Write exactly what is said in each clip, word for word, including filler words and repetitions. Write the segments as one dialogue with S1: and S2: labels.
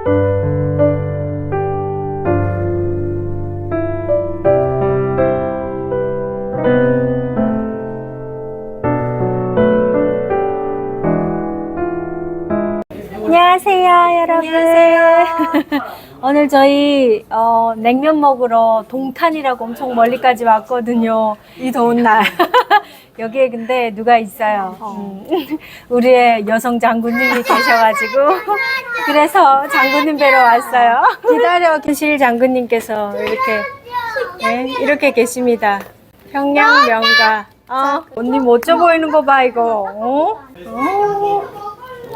S1: 안녕하세요, 여러분.
S2: 안녕하세요.
S1: 오늘 저희 어, 냉면 먹으러 동탄이라고 엄청 멀리까지 왔거든요. 이 더운 날. 여기에 근데 누가 있어요.
S2: 어.
S1: 음, 우리의 여성 장군님이 계셔가지고 그래서 장군님 뵈러 왔어요. 기다려 계실 장군님께서 이렇게 네, 이렇게 계십니다. 평양 명가. 어, 언니 멋져 보이는 거 봐 이거. 어? 어.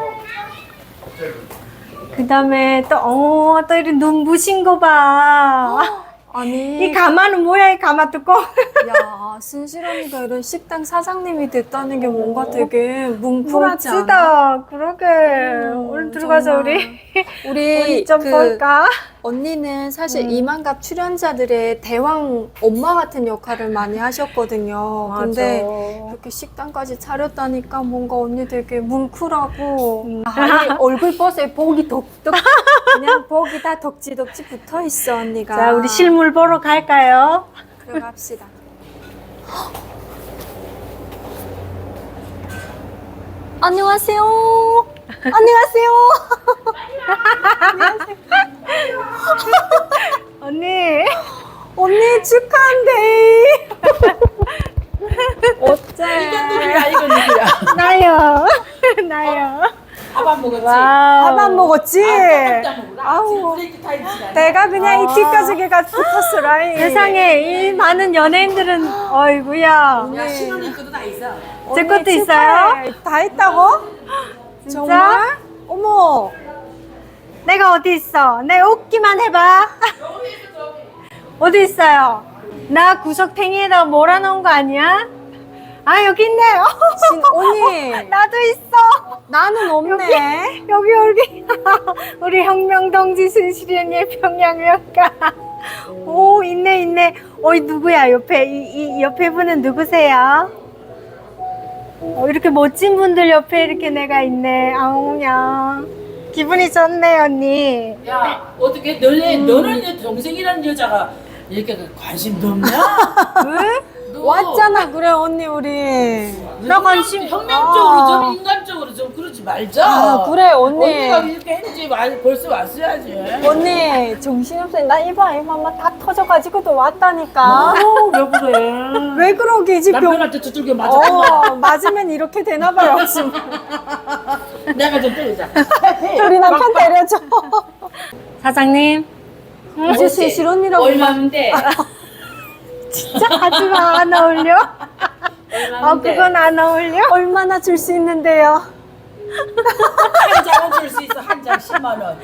S1: 그 다음에 또, 어, 또 이런 눈부신 거 봐.
S2: 아니,
S1: 이 가마는 뭐야, 이 가마 뚜껑?
S2: 야, 순실 언니가 이런 식당 사장님이 됐다는 게 뭔가 되게 뭉클하지 않아?
S1: 멋지다. 그러게.
S2: 음,
S1: 오늘 들어가서
S2: 정말.
S1: 우리,
S2: 우리
S1: 우리 좀
S2: 그
S1: 볼까?
S2: 언니는 사실
S1: 음.
S2: 이만갑 출연자들의 대왕 엄마 같은 역할을 많이 하셨거든요.
S1: 맞아.
S2: 근데 이렇게 식당까지 차렸다니까 뭔가 언니 되게 뭉클하고
S1: 음.
S2: 아니, 얼굴 버스에 복이 덕덕 그냥 복이 다 덕지덕지 붙어 있어 언니가.
S1: 자, 우리 실물 보러 갈까요?
S2: 들어갑시다. 안녕하세요. 안녕하세요.
S1: 언니.
S2: 언니 축하한데. 어째?
S3: 누구야 이거 누구야?
S1: 나요. 나요.
S3: 밥 안 먹었지?
S1: 와우.
S2: 밥 안 먹었지?
S3: 아우
S2: 아우.
S3: 브레이크 타임 지나.
S2: 내가 그냥
S1: 아.
S2: 이 뒷가죽에가 붙었어 라인.
S1: 세상에 이 많은 연예인들은, 어이구야.
S3: 야 신혼이 것도 다 있어.
S1: 제
S2: 언니
S1: 것도 있어요?
S2: 축하해. 다 있다고?
S1: 진짜?
S2: 정말? 어머.
S1: 내가 어디 있어? 내 웃기만 해봐. 어디 있어요? 나 구석탱이에다 몰아놓은 거 아니야? 아, 여기 있네.
S2: 진, 언니.
S1: 나도 있어.
S2: 나는 없네.
S1: 여기, 여기. 우리 혁명동지 순실이 언니의 평양명가. 오, 있네, 있네. 어이, 누구야? 옆에, 이, 이 옆에 분은 누구세요? 어, 이렇게 멋진 분들 옆에 이렇게 내가 있네. 아우야. 기분이 좋네, 언니.
S3: 야 어떻게 너네 너는 내 동생이라는 여자가 이렇게 관심도 없냐?
S1: 왜?
S3: 너
S2: 왔잖아 그래 언니 우리.
S3: 나
S1: 관심-
S3: 혁명적으로
S2: 아.
S3: 좀 인간적으로 좀 그러지 말자.
S2: 아 그래 언니.
S3: 언니가 이렇게 했지 말 벌써 왔어야지.
S2: 언니 정신없어. 나 이봐 이봐 막 다 터져가지고도 왔다니까.
S3: 아우 왜 그래?
S2: 왜 그러게지 병.
S3: 남편한테 두들겨 맞았구나.
S2: 어 맞으면 이렇게 되나 봐요 지금.
S3: 내가 좀 때리자.
S2: 우리 남편 때려줘.
S1: 사장님.
S2: 이제 순실 언니라고.
S3: 얼마인데?
S1: 진짜 하지마, 안 어울려? 아,
S3: 얼마인데?
S1: 그건 안 어울려?
S2: 얼마나 줄 수 있는데요?
S3: 한 장은 줄 수 있어. 한 장 십만 원.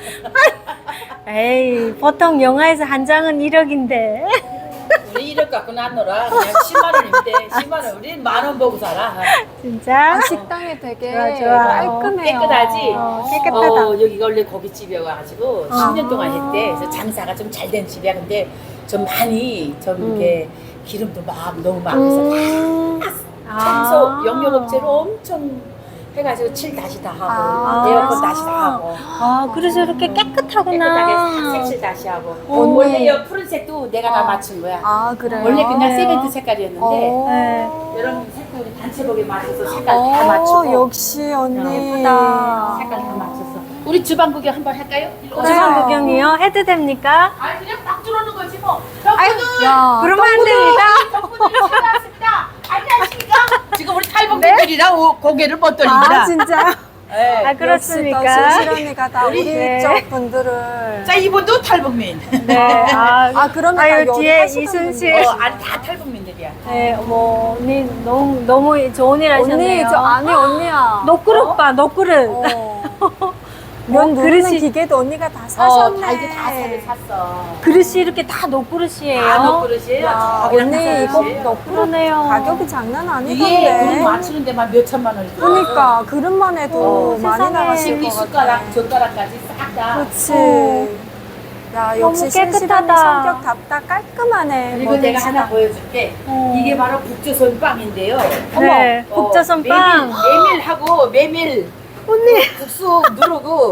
S1: 에이, 보통 영화에서 한 장은 일억인데.
S3: 우리 일억 갖고는 안 놀아. 그냥 십만 원인데 십만 원. 우리 만 원 보고 살아.
S1: 진짜?
S2: 아, 식당이 되게
S1: 좋아, 좋아.
S2: 깔끔해요.
S3: 깨끗하지?
S1: 어, 깨끗하다.
S3: 어, 여기가 원래 고깃집이어가지고 십 년 동안 했대. 그래서 장사가 좀 잘 된 집이야. 근데 좀 많이 좀 이렇게 기름도 막 너무 많아서
S2: 음.
S3: 청소
S1: 아.
S3: 영역업체로 엄청 해가지고 칠 다시 다 하고
S2: 아.
S3: 에어컨 다시 다 하고
S1: 아, 그래서 이렇게 깨끗하구나.
S3: 깨끗하게 색칠 다시 하고
S2: 언니.
S3: 원래 이 푸른색도 내가 다
S2: 어.
S3: 맞춘 거야.
S2: 아 그래요?
S3: 원래 그냥
S1: 그래요?
S3: 세멘트 색깔이었는데
S2: 어.
S1: 네.
S3: 여러분 색깔 우리 단체복에 맞춰서 색깔 다
S2: 어,
S3: 맞추고
S2: 역시 언니.
S1: 예쁘다.
S3: 색깔 다 맞췄어. 우리 주방 구경 한번 할까요? 일로 오세요.
S1: 주방 구경이요? 해도 됩니까?
S3: 아니 그냥 막 들어오는 거지 뭐.
S1: 아유,
S3: 덕분은
S2: 야,
S1: 그러면 안 됩니다.
S3: 덕분을 찾아왔습니다. 안녕하십니까? 지금 우리 탈북민들이랑 오- 고개를 못 돌립니다.
S2: 아 진짜.
S3: 네.
S1: 아, 그렇습니까?
S2: 순실 언니가 다 우리
S1: 네.
S2: 쪽 분들을.
S3: 자 이분도 탈북민.
S1: 네. 아,
S2: 아 그러면
S1: 아유,
S2: 다 여기
S1: 뒤에
S2: 하시던
S1: 이순실.
S2: 분들.
S3: 어, 아니 다 탈북민들이야.
S1: 네, 어머, 언니 너무, 너무 좋은 일
S2: 언니
S1: 하셨네요.
S2: 저 아니 언니야.
S1: 너그릇 봐, 너그릇.
S2: 어. 면 누르는
S1: 그릇이-
S2: 기계도 언니가 다
S3: 어,
S2: 사셨네.
S3: 다 이제 다 새로 샀어.
S1: 그릇이 이렇게 다 너그릇이에요.
S3: 다 너그릇이에요.
S2: 야,
S3: 저기랑
S2: 언니
S3: 다
S2: 이거
S3: 그릇이에요.
S2: 너프로
S1: 그러네요.
S2: 가격이 장난
S3: 이게 그릇
S2: 아니던데.
S3: 맞추는 데만 몇 천만 원이 들어.
S2: 그러니까 그릇만 해도
S1: 어,
S2: 많이
S1: 세상에.
S2: 나가실
S3: 식기
S2: 것 같아.
S3: 숟가락 젓가락까지 싹 다.
S2: 그렇지.
S1: 어.
S2: 야
S1: 너무
S2: 역시 신실한
S1: 깨끗하다.
S2: 성격답다 깔끔하네.
S3: 그리고
S2: 뭐든
S3: 내가 하나
S2: 시다.
S3: 보여줄게.
S1: 어.
S3: 이게 바로 북조선 빵인데요.
S1: 네,
S3: 어머,
S1: 북조선
S3: 어,
S1: 빵.
S3: 메밀, 메밀하고 메밀
S1: 언니.
S3: 국수 누르고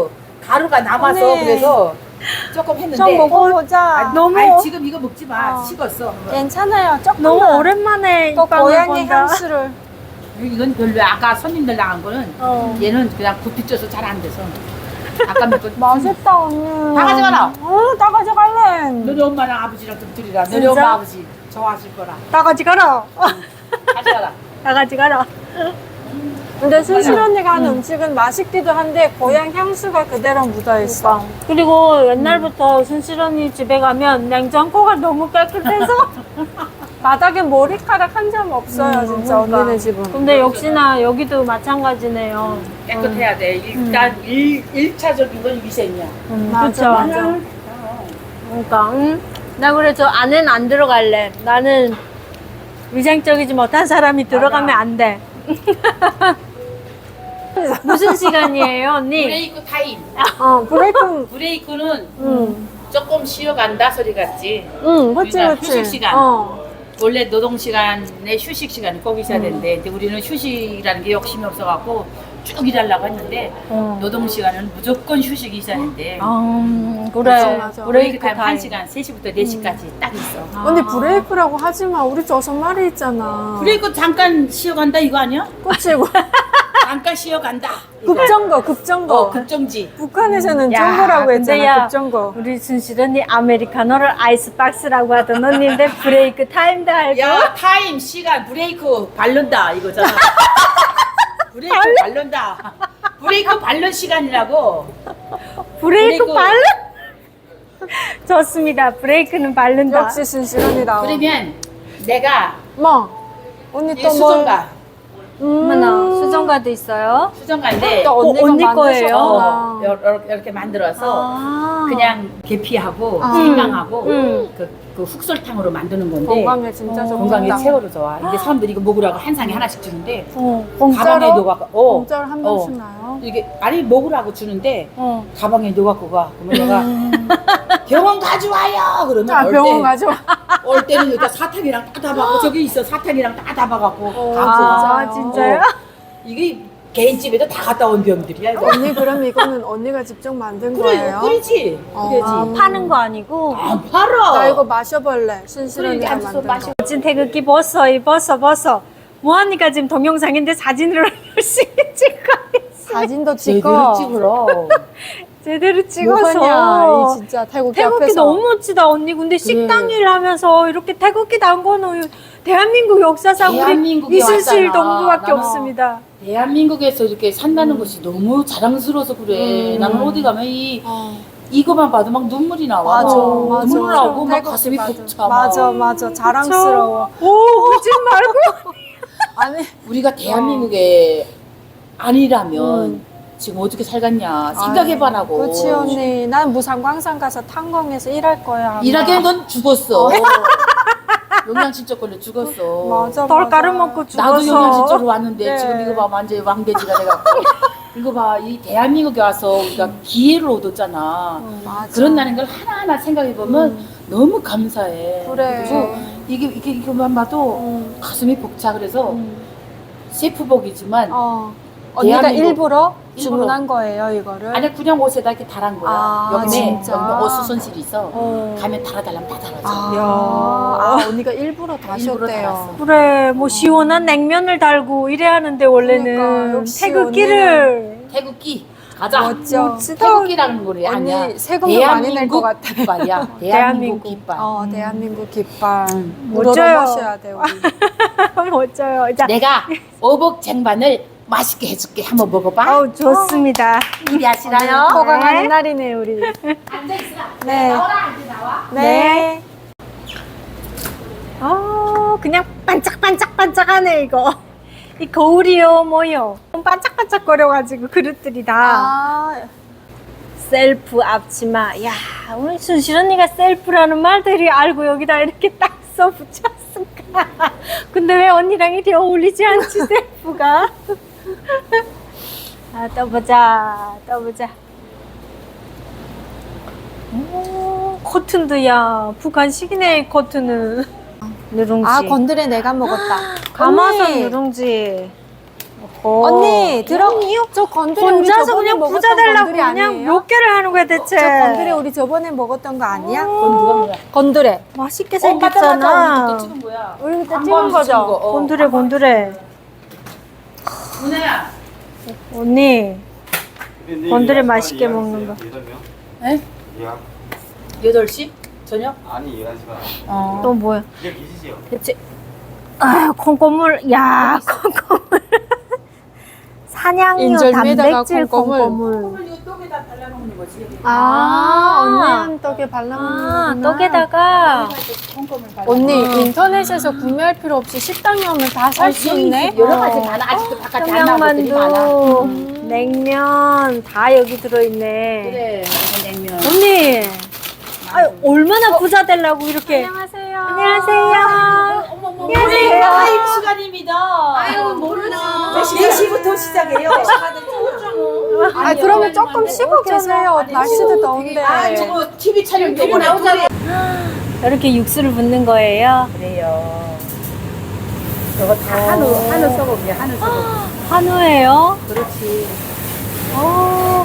S3: 가루가 남아서
S2: 언니.
S3: 그래서 조금 했는데.
S2: 좀 먹어보자.
S3: 아,
S1: 너무-
S3: 아니, 지금 이거 먹지 마.
S2: 어.
S3: 식었어.
S2: 괜찮아요. 조금
S1: 너무 오랜만에
S2: 또
S1: 이 빵을
S2: 고양이
S1: 본다.
S2: 향수를.
S3: 이건 별로 아까 손님들 나간 거는
S1: 어.
S3: 얘는 그냥 굽이 쪄서 잘 안 돼서. 아까 몇 번.
S2: 맛있다 언니.
S3: 다 가져가라.
S2: 어, 다 가져갈래.
S3: 너네 엄마랑 아버지랑 좀 드리라. 너네
S1: 진짜?
S3: 엄마 아버지 좋아하실 거라.
S1: 다 가져가라.
S3: 가져가라.
S1: 다 가져가라.
S2: 근데 순실 언니가 하는 음식은 맛있기도 한데 고향 향수가 그대로 묻어 있어.
S1: 그리고 옛날부터 순실 언니 집에 가면 냉장고가 너무 깨끗해서
S2: 바닥에 머리카락 한 점 없어요,
S1: 음,
S2: 진짜
S1: 그러니까.
S2: 언니네 집은.
S1: 근데 역시나 여기도 마찬가지네요.
S3: 깨끗해야 돼. 일단 일, 일차적인 건 위생이야.
S1: 음,
S2: 맞아,
S1: 그쵸?
S2: 맞아.
S1: 그러니까 응? 나 그래 저 안에는 안 들어갈래. 나는 위생적이지 못한 사람이 들어가면 안 돼. 무슨 시간이에요, 언니?
S3: 브레이크 타임.
S2: 어, 브레이크.
S3: 브레이크는
S2: 응.
S3: 조금 쉬어간다 소리 같지.
S2: 응, 그치,
S3: 그러니까
S2: 그치.
S3: 휴식 시간.
S2: 어.
S3: 원래 노동 시간에 휴식 시간이 꼭 있어야 되는데, 근데 우리는 휴식이라는 게 욕심이 없어갖고 쭉 일하려고 했는데
S1: 어.
S3: 노동 시간은 무조건 휴식이 있어야 되는데.
S1: 아, 그래.
S2: 맞아, 맞아.
S3: 브레이크
S1: 브레이크
S3: 타임 한
S1: 타임.
S3: 시간 세 시부터 네 시까지 딱 있어.
S1: 아.
S2: 언니 브레이크라고 하지 마. 우리 저섯 마리 있잖아.
S3: 브레이크 잠깐 쉬어간다 이거 아니야?
S2: 그치고.
S3: 잠깐 쉬어간다. 이거.
S2: 급정거, 급정거.
S3: 어, 급정지.
S2: 북한에서는
S1: 야,
S2: 정거라고
S1: 근데
S2: 했잖아,
S1: 야,
S2: 급정거.
S1: 우리 순실 언니 아메리카노를 아이스박스라고 하던 언니인데 브레이크 타임도 알고.
S3: 야, 타임, 시간, 브레이크 바른다 이거잖아. 브레이크 바른다. 브레이크 바른 시간이라고.
S1: 브레이크
S3: 브레이크.
S1: 바른? 좋습니다. 브레이크는 바른다.
S2: 역시 순실언니다.
S3: 그러면 내가
S2: 뭐? 언니
S3: 이
S2: 또 뭘?
S3: 수정가,
S2: 음.
S1: 어머나, 수정가도 있어요.
S3: 수정가인데
S2: 또 언니가
S1: 어, 언니
S2: 만드셨구나.
S1: 거예요?
S3: 어, 요- 이렇게 만들어서
S1: 아.
S3: 그냥 계피하고
S2: 아.
S3: 생강하고
S1: 음.
S3: 그, 그 흑설탕으로 만드는 건데
S2: 건강에 진짜
S1: 어.
S2: 좋다.
S3: 건강에 최고로 좋아. 근데 사람들이 이거 먹으라고 한 상에 하나씩 주는데
S1: 어.
S3: 가방에 넣어갖고 어,
S2: 공짜로 한 병씩
S3: 어.
S2: 나요?
S3: 이게 아니 먹으라고 주는데
S1: 어.
S3: 가방에 넣어갖고 가. 그러면 내가 병원 가져와요. 그러면
S2: 자,
S3: 올
S2: 병원
S3: 때,
S2: 가져와.
S3: 올 때는 여기다 사탕이랑 다 담아갖고 저기 있어 사탕이랑 다 담아갖고 가고.
S1: 아, 진짜요?
S3: 이게 개인집에도 다 갔다 온 병들이야 이거.
S2: 언니 그럼 이거는 언니가 직접 만든
S3: 그래
S2: 거예요?
S3: 끓이지.
S2: 어.
S3: 그래지.
S1: 아, 파는 거 아니고.
S3: 아 팔아.
S2: 나 이거 마셔볼래. 순실
S3: 그래,
S2: 언니가
S3: 앉아서
S2: 만든
S3: 마셔.
S2: 거.
S1: 멋진 태극기 벗어, 이 벗어, 벗어. 모하니까 지금 동영상인데 사진으로 열심히 찍고 있어.
S2: 사진도
S3: 제대로
S2: 찍어.
S3: 찍으러.
S1: 제대로 찍어서.
S2: 뭐하냐, 이 진짜 태국기,
S1: 태극기
S2: 앞에서.
S1: 너무 멋지다, 언니. 근데 식당 일 하면서 이렇게 태극기 단 거는 대한민국 역사상 우리
S3: 대한민국에
S1: 이순실
S3: 왔잖아.
S1: 동무밖에
S3: 나는
S1: 없습니다.
S3: 대한민국에서 이렇게 산다는 것이 너무 자랑스러워서 그래.
S1: 음.
S3: 나는 어디 가면 이
S2: 어.
S3: 이거만 봐도 막 눈물이 나와.
S2: 맞아,
S3: 어,
S2: 맞아.
S3: 눈물 나고 막
S2: 태국기
S3: 가슴이
S2: 맞아.
S3: 벅차.
S2: 맞아, 맞아. 자랑스러워.
S1: 오, 울지 말고.
S2: 아니,
S3: 우리가 대한민국에 아니라면
S2: 음.
S3: 지금 어떻게 살겠냐 생각해봐라고.
S2: 그렇지 언니. 난 무상광산 가서 탄광에서 일할 거야. 아마.
S3: 일하기엔 넌 죽었어.
S2: 어.
S3: 영양실조 걸려 죽었어.
S2: 맞아,
S1: 덜
S2: 맞아.
S1: 가루 먹고 죽었어.
S3: 나도 영양실조로 왔는데
S2: 네.
S3: 지금 이거 봐 완전히 왕돼지가 돼갖고. 이거 봐 이 대한민국에 와서 우리가 기회를 얻었잖아.
S2: 맞아.
S3: 그런다는 걸 하나하나 생각해보면 너무 감사해.
S2: 그래.
S3: 그리고 이게, 이게, 이거만 봐도
S2: 음.
S3: 가슴이 벅차. 그래서
S2: 음.
S3: 셰프복이지만
S2: 어. 언니가
S3: 대한민국-
S2: 일부러
S3: 일부러.
S2: 주문한 거예요, 이거를?
S3: 아니 그냥 옷에다 이렇게 달한 거야.
S2: 아,
S3: 여기네
S2: 진짜?
S3: 여기 옷 수선실이 있어.
S2: 어.
S3: 가면 달아달라면 다 달아줘.
S2: 아,
S1: 야.
S2: 아, 언니가 일부러
S3: 일부러
S2: 다셨대요.
S3: 달았어.
S1: 그래, 뭐 시원한 냉면을 달고 이래야 하는데 원래는
S2: 그러니까, 역시
S1: 태극기를.
S3: 태극기 가자.
S2: 멋져.
S1: 멋지다.
S3: 태극기라는 거리
S2: 언니
S3: 아니야.
S2: 세금도 많이 낼 것 같아.
S3: 깃발이야.
S1: 대한민국.
S3: 대한민국 깃발.
S2: 어, 대한민국 깃발.
S3: 응.
S1: 멋져요.
S2: 모셔야 돼, 우리.
S1: 멋져요. 자,
S3: 내가 어복 쟁반을 맛있게 해줄게. 한번 먹어봐.
S1: 어우, 좋습니다.
S3: 기대하시나요?
S2: 호강하는
S1: 네.
S2: 날이네, 우리.
S3: 앉아있으라.
S2: 네.
S3: 나와라. 이제 나와.
S2: 네.
S1: 어, 그냥 반짝반짝반짝하네, 이거. 이 거울이요, 뭐요. 반짝반짝거려가지고 그릇들이 다.
S2: 아,
S1: 셀프 앞치마. 야, 오늘 순실 언니가 셀프라는 말들이 알고 여기다 이렇게 딱 써붙였을까? 근데 왜 언니랑 이리 어울리지 않지, 셀프가? 아, 떠보자, 떠보자. 오, 코튼도야. 북한식이네, 코튼은. 누룽지.
S2: 아, 건드레 내가 먹었다.
S1: 가마솥
S2: 언니.
S1: 누룽지. 오.
S2: 언니 들어. 저 건드리 우리
S1: 혼자서
S2: 저번에
S1: 그냥
S2: 먹었던
S1: 부자 되려고
S2: 건드리
S1: 그냥
S2: 아니에요?
S1: 몇 개를 하는 거야 대체.
S2: 저 건드리 우리 저번에 먹었던 거 아니야?
S3: 그건 누가 뭐야?
S2: 건드레.
S1: 맛있게
S3: 어, 맞다, 맞다.
S1: 생겼잖아.
S3: 우리 그때 찍은 거야.
S2: 우리 그때
S3: 광고하면서
S2: 찍은 거죠?
S3: 찍은 거. 어.
S1: 곤드레 곤드레.
S3: 누나야.
S1: 언니 건드레 맛있게 먹는 거.
S3: 에?
S4: 예약.
S3: 여덟 시? 저녁?
S4: 아니 예약 시간.
S3: 어.
S1: 또 뭐야?
S4: 예약 있으세요?
S3: 대체
S1: 아유 콩고물. 야 콩고물. 사냥류
S2: 인절미에다가
S1: 단백질
S2: 콩고물.
S1: 콩고물.
S3: 콩을 이 떡에다 발라먹는 거지.
S2: 아, 언니
S1: 아,
S2: 한 떡에
S1: 아
S2: 발라먹는
S1: 떡에다가
S3: 콩고물 발라.
S2: 언니 인터넷에서 구매할 필요 없이 식당에 오면 다 살 수 있네.
S3: 여러 가지 많아. 아직도 바깥에 안 나온 것들이 많아.
S1: 평양만두, 냉면 다 여기 들어있네.
S3: 그래, 냉면.
S1: 언니, 아유, 얼마나 부자 되려고 이렇게.
S2: 안녕하세요.
S1: 안녕하세요.
S3: 어머, 어머,
S1: 안녕하세요.
S3: 라이브 시간입니다. 아유, 모르나. 네 시부터 시작해요.
S2: 아, 그러면 조금 쉬고 계세요. 날씨도 더운데.
S3: 아, 저거 티비 촬영 되고 나오잖아.
S1: 이렇게 육수를 붓는 거예요.
S3: 그래요. 저거 다 한우, 한우 썩어이야 한우 썩어.
S1: 한우예요.
S3: 그렇지.
S1: 오.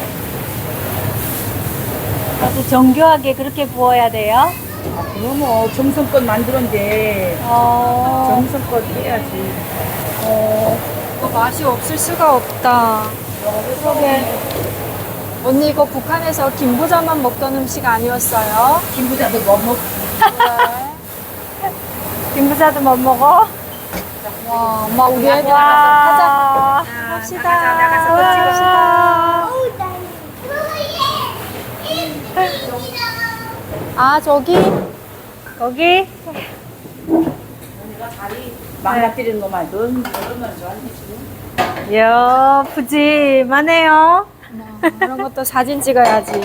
S1: 아주 정교하게 그렇게 부어야 돼요.
S3: 아, 그럼 뭐 정성껏 만들었는데
S1: 어.
S3: 정성껏 해야지.
S1: 어.
S2: 이거 맛이 없을 수가 없다.
S1: 그러게.
S2: 언니 이거 북한에서 김부자만 먹던 음식 아니었어요?
S3: 김부자도 뭐 먹?
S2: 네.
S1: 김부자도 못 먹어?
S2: 와, 엄마 우리 애들 가자.
S1: 와.
S2: 합시다.
S3: 나가서 나가서
S2: 합시다. 아 저기
S1: 거기?
S3: 언니가 다리 망가뜨리는 것만 넌 얼마나 좋아하니 지금?
S1: 이야, 푸짐하네요.
S2: 이런 것도 사진 찍어야지.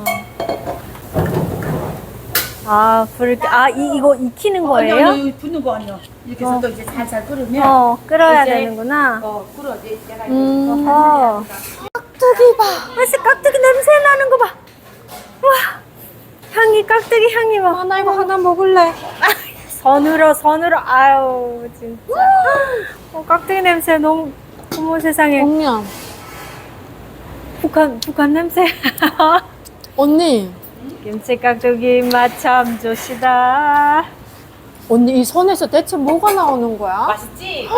S1: 아, 불, 아, 이, 이거 익히는
S3: 아니,
S1: 거예요?
S3: 아니, 붓는 거 아니야. 이렇게 해서
S1: 어.
S3: 또 이제 살살 끓으면
S1: 어, 끓어야
S3: 이제-
S1: 되는구나.
S3: 어, 끓어. 이제 내가 이제
S2: 음.
S3: 또
S1: 어.
S2: 깍두기 봐.
S1: 벌써 깍두기 냄새 나는 거 봐. 와, 향이, 깍두기 향이 막.
S2: 아, 나 이거 하나 먹을래.
S1: 선으로, 선으로. 아유, 진짜. 어, 깍두기 냄새 너무, 어머 세상에.
S2: 언니야.
S1: 북한, 북한 냄새.
S2: 언니.
S1: 김치 깍두기 맛 참 좋시다.
S2: 언니 이 손에서 대체 뭐가 나오는 거야?
S3: 맛있지?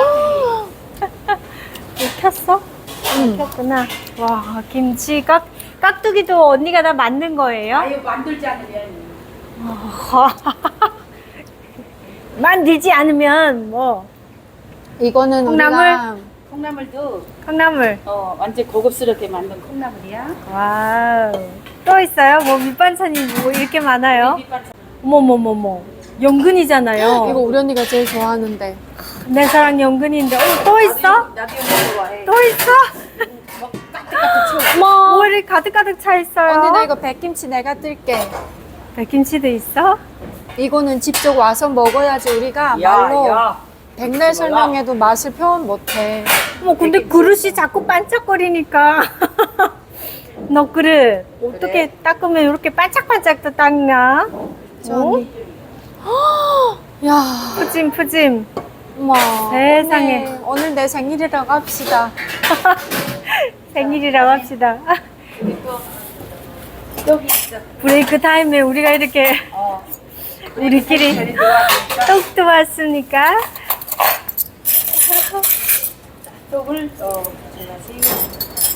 S1: 익혔어?
S2: 응.
S1: 익혔구나. 와, 김치 깍, 깍두기도 언니가 다 만든 거예요?
S3: 아유 만들지 않으면
S1: 만들지 않으면 뭐
S2: 이거는
S1: 콩나물?
S2: 우리가
S3: 콩나물도
S1: 콩나물.
S3: 어 완전 고급스럽게 만든 콩나물이야.
S1: 와우. 또 있어요? 뭐 밑반찬이 뭐 이렇게 많아요?
S3: 밑반찬.
S1: 어머머머머. 연근이잖아요.
S2: 이거 우리 언니가 제일 좋아하는데.
S1: 내 사랑 연근인데. 어, 또 있어?
S3: 나도 이거 좋아해.
S1: 또 있어?
S3: 뭐 까뜩까뜩 쳐.
S2: 어머.
S1: 뭐를 가득가득 차 있어요?
S2: 언니 나 이거 백김치 내가 뜰게.
S1: 백김치도 있어?
S2: 이거는 직접 와서 먹어야지 우리가 말로 백날 설명해도 맛을 표현 못해.
S1: 어머 근데 그릇이 자꾸 반짝거리니까. 너 그릇 어떻게
S3: 그래?
S1: 닦으면 이렇게 반짝반짝 또 닦나?
S2: 저
S1: 어?
S2: 언니. 야,
S1: 푸짐 푸짐.
S2: 어머.
S1: 세상에.
S2: 언니, 오늘 내 생일이라고 합시다.
S1: 생일이라고 합시다.
S3: 여기 있어.
S1: 브레이크 타임에 우리가 이렇게
S3: 어.
S1: 우리끼리
S3: 별이 들어왔으니까
S1: 떡도 왔으니까.
S3: 떡을 어 가져가세요.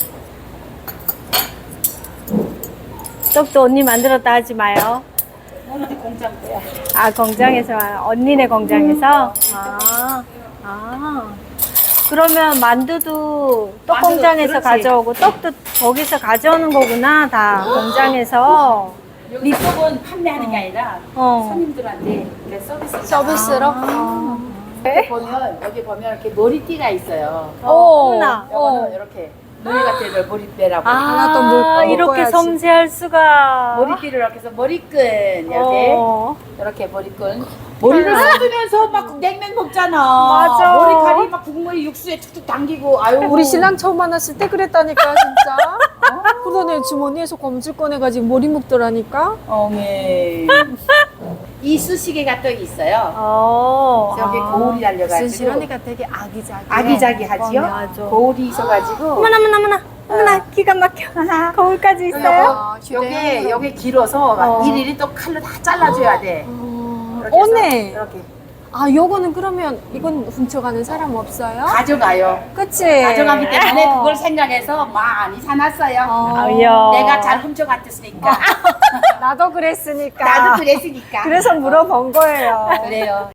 S1: 떡도 언니 만들었다 하지 마요.
S3: 오늘 공장 거야.
S1: 아 공장에서 언니네 공장에서. 아, 아. 그러면 만두도 떡
S3: 만두,
S1: 공장에서
S3: 그렇지.
S1: 가져오고 떡도 거기서 가져오는 거구나 다 공장에서.
S3: 여기 떡은 판매하는 게 아니라
S1: 어.
S3: 손님들한테 이렇게 서비스.
S2: 서비스로?
S1: 아.
S3: 여기 보면 여기 보면 이렇게 머리띠가 있어요.
S1: 어, 어머나.
S3: 요거는
S1: 어.
S3: 이렇게 머리 같은 걸 머리띠라고.
S2: 하나 더 물-
S1: 아,
S2: 어,
S1: 이렇게
S2: 먹어야지.
S1: 섬세할 수가.
S3: 머리띠를 이렇게 해서 머리끈 이렇게
S1: 어.
S3: 이렇게 머리끈 머리를 쏟으면서 막 냉면 먹잖아.
S1: 맞아.
S3: 머리칼이 막 국물이 육수에 툭툭 당기고 아유.
S2: 우리 신랑 처음 만났을 때 그랬다니까 진짜. 그러네 주머니에서 검질 꺼내가지고 머리 묶더라니까.
S3: 어메. 이 수시개가 또 있어요.
S1: 어.
S3: 저기 거울이 달려가지고.
S2: 순실언니가 되게 아기자기.
S3: 아기자기하지요?
S1: 맞아.
S3: 거울이 있어가지고.
S1: 어머나, 어머나, 어머나. 어머나, 기가 막혀. 거울까지 있어요?
S2: 아,
S3: 요게
S2: 휴대용으로.
S3: 요게 길어서 막
S1: 어.
S3: 일일이 또 칼로 다 잘라줘야 돼.
S2: 어,
S3: 이렇게 해서
S2: 오네.
S3: 이렇게
S2: 아, 요거는 그러면 이건 훔쳐가는 사람 없어요?
S3: 가져가요.
S2: 그치?
S3: 가져가기 때문에
S2: 어.
S3: 그걸 생각해서 많이 사놨어요.
S2: 어.
S1: 아우야.
S3: 내가 잘 훔쳐갔으니까.
S2: 나도 그랬으니까.
S3: 나도 그랬으니까.
S2: 그래서 물어본 거예요.
S3: 그래요.